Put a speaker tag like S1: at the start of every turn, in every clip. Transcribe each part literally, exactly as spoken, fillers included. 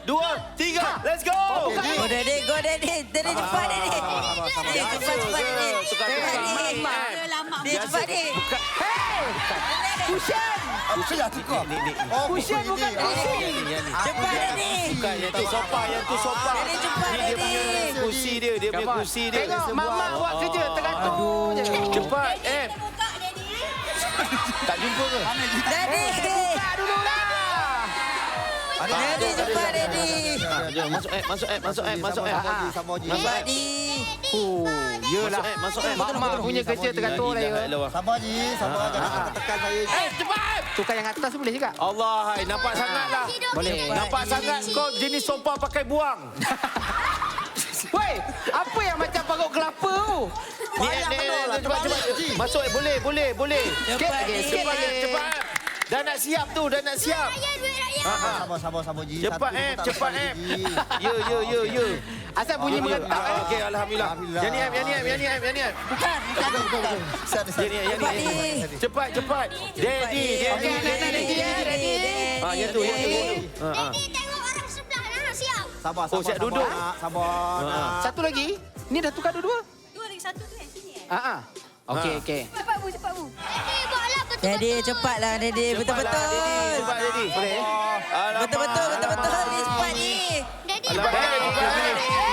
S1: dua, tiga. Let's go.
S2: Go Daddy, go Daddy. Daddy cepat Daddy. Daddy cepat cepat Daddy. Daddy cepat Daddy.
S3: Cushion.
S4: Cushion lah tukar.
S3: Oh, Cushion bukan cushion.
S2: Cepat Daddy.
S1: Bukan, yang tu sofa, yang tu sofa.
S2: Daddy cepat
S1: Ni dia
S2: Daddy.
S1: punya kursi dia, dia punya kursi dia.
S3: Tengok mak-mak buat kerja tergantung je.
S1: Cepat, eh. Tak jumpa ke?
S2: Daddy.
S3: Buka dulu lah.
S2: Daddy cepat Daddy.
S1: Jom, masuk app, masuk app, masuk app, masuk app.
S4: Sama je.
S1: Masuk app.
S2: Daddy.
S3: Oh, yelah.
S1: Masuk app, masuk app.
S3: Mak-mak punya kerja tergantung lah ya.
S4: Sama je, sama je. Jangan tekan saya.
S1: Eh, cepat!
S3: Tukar yang atas boleh juga.
S1: Allah, hai, nampak sangat lah.
S3: Boleh.
S1: Nampak sangat kau jenis sofa pakai buang.
S3: Woi, apa yang macam parut kelapa tu?
S1: Ni, ni, ni, cepat, cepat. Masuk, eh, boleh, boleh, boleh.
S3: Sikit lagi, sikit
S1: Cepat,
S3: lagi.
S1: cepat. Dah nak siap tu, dah nak siap.
S4: Sama, sama, sama je.
S1: Cepat,
S4: Satu
S1: eh,
S4: pun tak
S1: cepat,
S4: lepas
S1: eh.
S4: lagi.
S1: Ya, ya, ya, ya.
S3: Asal bunyi merentak eh.
S1: Okey, Alhamdulillah.
S4: Alhamdulillah.
S1: Yang ni, yang ni, yang ni, yang ni.
S2: Bukan, bukan, bukan.
S4: Sana, sana.
S1: Yang ni, yang ni, yang ni. Cepat, cepat. Daddy,
S3: Okey,
S1: daddy,
S3: anak-anak
S1: daddy.
S3: Daddy ya, Daddy.
S1: Ah, yang tu, yang tu. Ha, ha.
S5: Tengok orang sebelah dah siap.
S4: Sabar,
S1: Oh,
S4: sabar,
S1: siap
S4: sabar,
S1: duduk.
S4: nak, Sabar. nak.
S3: Satu lagi. Ni dah tukar dua-dua.
S5: Dua lagi satu tu yang sini eh.
S3: Ha ah. Okey,
S1: Ha.
S3: okey.
S5: Cepat bu, cepat bu. Eh, buatlah betul.
S2: Daddy cepatlah Daddy. Betul-betul.
S1: Cepat, daddy.
S3: Boleh.
S1: Alamak.
S2: Betul-betul, betul-betul. Ni cepat ni.
S5: Daddy.
S1: Alamak, daddy, cepat.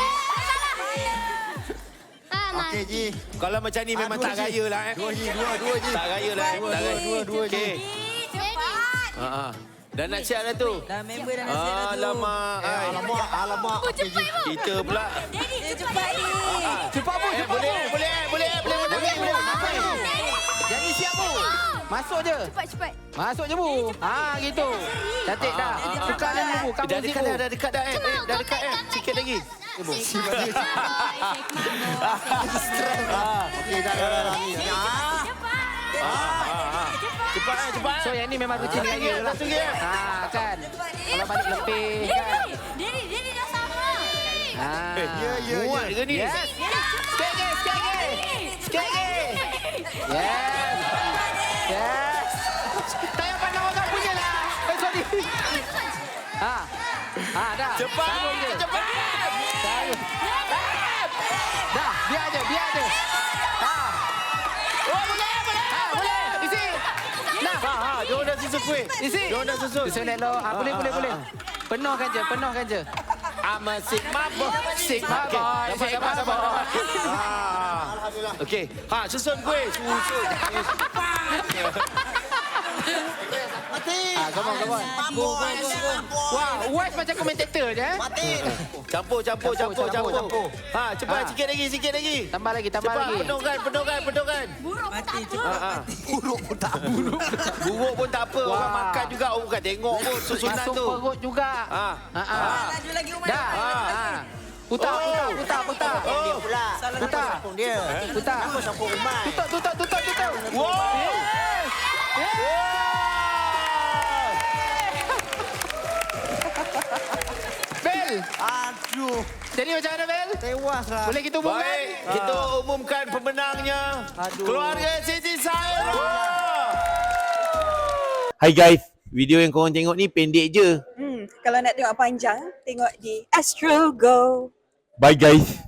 S5: Ah, Mas.
S4: Okey, Ji.
S1: Kalau macam ni memang
S4: dua
S1: tak
S4: je.
S1: gaya lah eh.
S4: Dua je, dua, dua je.
S1: Tak gaya lah. eh. Tak gaya.
S4: Dua, dua je.
S1: Okey.
S5: Cepat.
S1: Ha ah. Dah nak siap dah tu.
S2: Dah member dah nak siap dah tu.
S1: Alamak.
S4: Eh,
S1: ai.
S4: alamak, alamak. Okey, Ji.
S1: Kita pula.
S5: Daddy,
S2: Eh, cepat ni.
S3: Cepat bu,
S1: Eh,
S3: cepat
S1: boleh,
S3: bu.
S1: boleh, boleh, boleh, boleh, boleh, boleh.
S3: Jadi siap bu. Masuk je.
S5: Cepat, cepat.
S3: Masuk je bu. Ha gitu. Cantik dah. Tukar dulu bu. Kamu
S1: Dah
S3: situ.
S1: dekat dah, dah dekat dah eh. Eh, dah dekat eh. Sikit lagi.
S4: Okey, dah, dah, dah, dah.
S1: Cepat eh, cepat.
S3: So yang ni memang rutin dengan dia lah.
S1: Satu lagi eh.
S3: Ha kan. Kalau balik lebih kan.
S5: Daddy, Daddy dah sama.
S3: Ha.
S1: Eh,
S4: Ya, ya,
S1: Muat
S4: ya.
S1: ke ni?
S3: Yes. Sikit lagi, sikit lagi. Sikit lagi. Yes. Yes. Tak payah pandang orang punya lah. Eh, sorry. Ha. Ha, dah.
S1: Cepat,
S3: Sambung je.
S1: cepat.
S3: Sambung. Dah, biar je, biar je. Ha.
S1: Oh, boleh, boleh.
S3: Ha, boleh. Isi. Nah.
S1: Ha, ha, dia orang dah susun kuih.
S3: Isi.
S1: Dia orang dah susun.
S3: Susun elok. Ha, boleh, boleh, boleh. Penuhkan je, penuhkan je.
S1: I'm a Sigma boy.
S3: Sigma
S1: Okey,
S3: boy,
S1: dapat,
S3: Sigma
S1: dapat, dapat,
S3: boy.
S1: dapat. Ah. Okey. Ha, susun kuih. Susun.
S3: Ah, come on, come on. Wah, West macam komentator je eh.
S1: Campur, campur,
S3: Campur,
S1: campur,
S3: campur,
S1: campur.
S3: campur.
S1: Ha, cepat,
S3: Ha.
S1: sikit lagi, sikit lagi.
S3: Tambah lagi, tambah
S1: Cepat,
S3: lagi.
S1: penuhkan, penuhkan, penuhkan.
S5: Buruk pun tak apa.
S1: Ha, ha.
S4: Buruk pun tak buruk.
S1: Buruk pun tak apa. Orang
S3: Wah.
S1: makan juga. Orang bukan tengok pun susunan
S3: Masuk
S1: tu.
S3: perut juga.
S1: Ha.
S3: Ha ah.
S2: Laju lagi Umar.
S3: Dah. Ha. Putar,
S1: Oh.
S3: putar, putar, putar.
S1: Oh.
S3: Putar.
S4: Dia.
S3: Putar.
S4: Sampul rumah.
S3: Tutup, tutup, tutup, tutup.
S1: Wow.
S3: Yes. Yes. Bel.
S4: Aduh.
S3: Jadi macam mana Bel?
S4: Tewas lah.
S3: Boleh kita umumkan?
S1: Baik, kita umumkan pemenangnya.
S4: Aduh.
S1: Keluarga Siti Saira.
S6: Hai guys, video yang korang tengok ni pendek je.
S7: Hmm, kalau nak tengok panjang, tengok di Astro Go.
S6: Bye guys.